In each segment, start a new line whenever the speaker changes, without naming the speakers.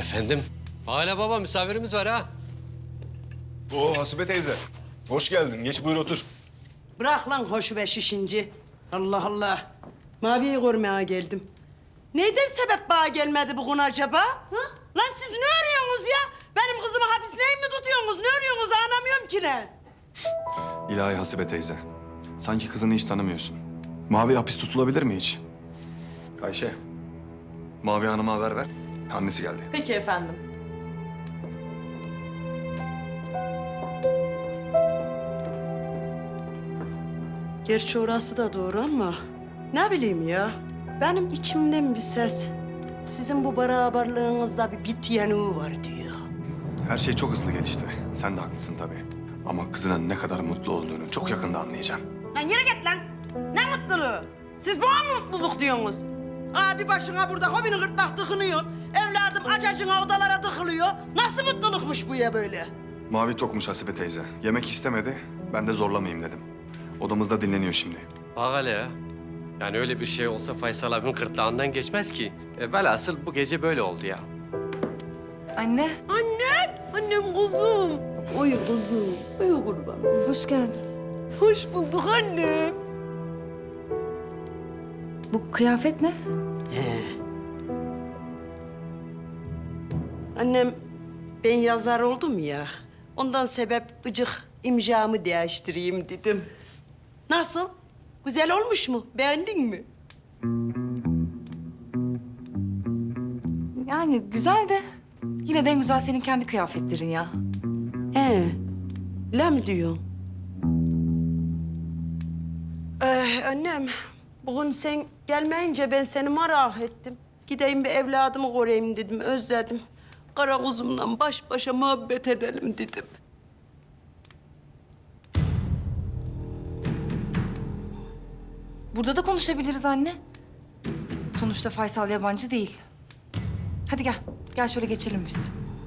efendim. Hala baba misafirimiz var ha.
Oo Hasibe teyze. Hoş geldin. Geç buyur otur.
Bırak lan hoş ve şişinci. Allah Allah. Mavi'yi görmeye geldim. Neyden sebep bana gelmedi bugün acaba? Ha? Lan siz ne arıyorsunuz ya? Benim kızımı hapiste mi tutuyorsunuz? Ne arıyorsunuz? Anlamıyorum ki ne?
İlahi Hasibe teyze. Sanki kızını hiç tanımıyorsun. Mavi hapis tutulabilir mi hiç? Ayşe. Mavi Hanım'a haber ver. Annesi geldi.
Peki efendim.
Gerçi orası da doğru ama ne bileyim ya. Benim içimden bir ses sizin bu beraberliğinizde bir bit yanığı var diyor.
Her şey çok hızlı gelişti. Sen de haklısın tabii. Ama kızının ne kadar mutlu olduğunu çok yakında anlayacağım.
Lan yürü git lan. Ne mutluluğu? Siz bana mı mutluluk diyorsunuz? Abi başına burada hobini gırtlak tıkınıyor. Evladım acacına odalara tıkılıyor. Nasıl mutlulukmuş bu ya böyle?
Mavi tokmuş Hasibe teyze. Yemek istemedi. Ben de zorlamayayım dedim. Odamızda dinleniyor şimdi.
Bak hele ya. Yani öyle bir şey olsa Faysal abimin gırtlağından geçmez ki. Velhasıl bu gece böyle oldu ya.
Anne,
Annem, annem kuzum. Oy kuzum, oy kurban.
hoş geldin.
Hoş bulduk annem.
Bu kıyafet ne?
Annem, ben yazar oldum ya. Ondan sebep gıcık imzamı değiştireyim dedim. Nasıl? Güzel olmuş mu? Beğendin mi?
Yani güzel de yine de en güzel senin kendi kıyafetlerin ya.
Öyle mi diyorsun? Annem, bugün sen gelmeyince ben seni merak ettim. Gideyim bir evladımı göreyim dedim, özledim. Kara kuzumla baş başa muhabbet edelim dedim.
Burada da konuşabiliriz anne. Sonuçta Faysal yabancı değil. Hadi gel, gel şöyle geçelim biz.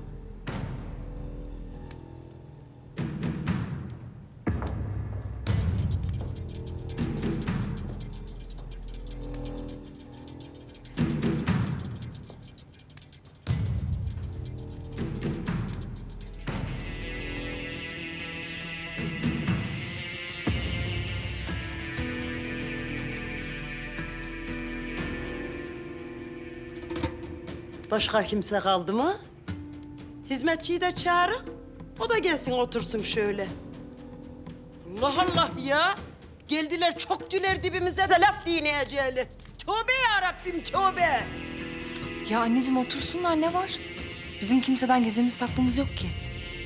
Başka kimse kaldı mı? Hizmetçiyi de çağırın. O da gelsin otursun şöyle. Allah Allah ya. Geldiler çöktüler dibimize de laf dinleyecekler. Tövbe ya Rabbim tövbe.
Ya anneciğim otursunlar, ne var? Bizim kimseden gizlimiz saklımız yok ki.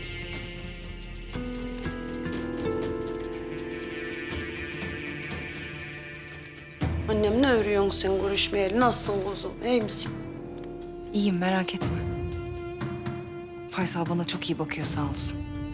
Annem ne örüyorsun sen görüşmeyeli? Nasılsın kuzum? İyi misin?
İyiyim, merak etme. Faysal bana çok iyi bakıyor, sağ olsun.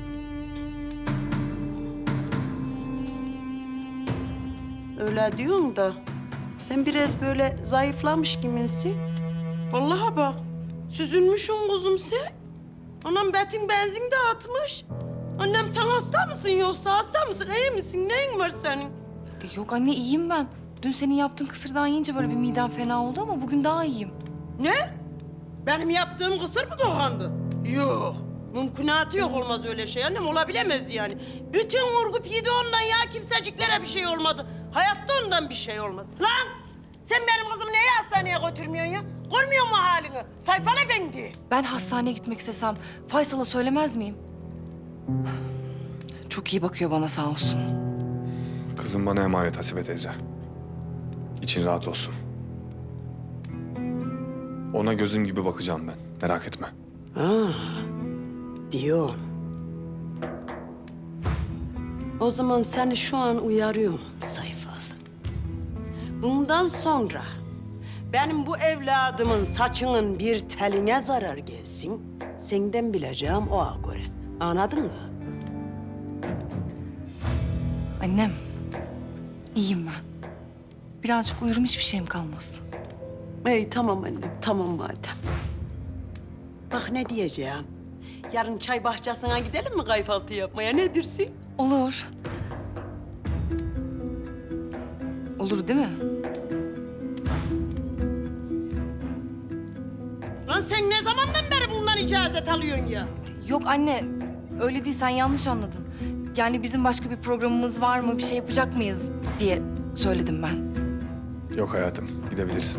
Öyle diyorsun da sen biraz böyle zayıflamış gibisin. Vallahi bak süzülmüşsün kuzum sen. Anam betin benzin de atmış. Annem sen hasta mısın yoksa hasta mısın? İyi misin? Neyin var senin?
Yok anne, iyiyim ben. Dün senin yaptığın kısırdan yiyince böyle bir midem fena oldu ama bugün daha iyiyim.
Ne? Benim yaptığım kısır mı dokandı? Yok. Mümkünatı yok, olmaz öyle şey annem, olabilemez yani. Bütün vurgup yedi ondan ya, kimseciklere bir şey olmadı. Hayatta ondan bir şey olmaz. Lan sen benim kızımı niye hastaneye götürmüyorsun ya? Görmüyor musun halini? Sayfal Efendi.
Ben hastaneye gitmek istesem Faysal'a söylemez miyim? Çok iyi bakıyor bana, sağ olsun.
Kızım bana emanet Hasibe teyze. İçin rahat olsun. Ona gözüm gibi bakacağım ben. Merak etme.
Diyor. O zaman seni şu an uyarıyorum Sayfal. Bundan sonra benim bu evladımın saçının bir teline zarar gelsin, senden bileceğim oğa göre. Anladın mı?
Annem, iyiyim ben. Birazcık uyurum, hiçbir şeyim kalmaz.
İyi tamam annem, tamam madem. Bak ne diyeceğim. Yarın çay bahçesine gidelim mi kahvaltı yapmaya? Ne dersin?
Olur. Olur değil mi?
Lan sen ne zamandan beri bundan icazet alıyorsun ya?
Yok anne, öyle değil, sen yanlış anladın. Yani bizim başka bir programımız var mı, bir şey yapacak mıyız diye söyledim ben.
Yok hayatım, gidebilirsin.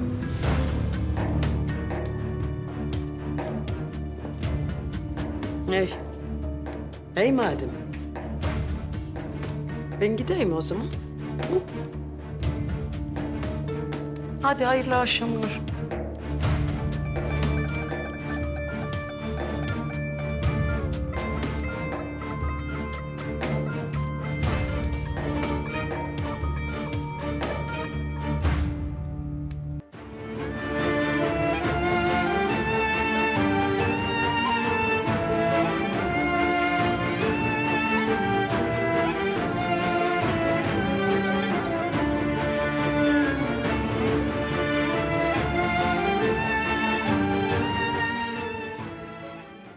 Ey. Ey madem. Ben gideyim o zaman. Hı? Hadi hayırlı akşamlar.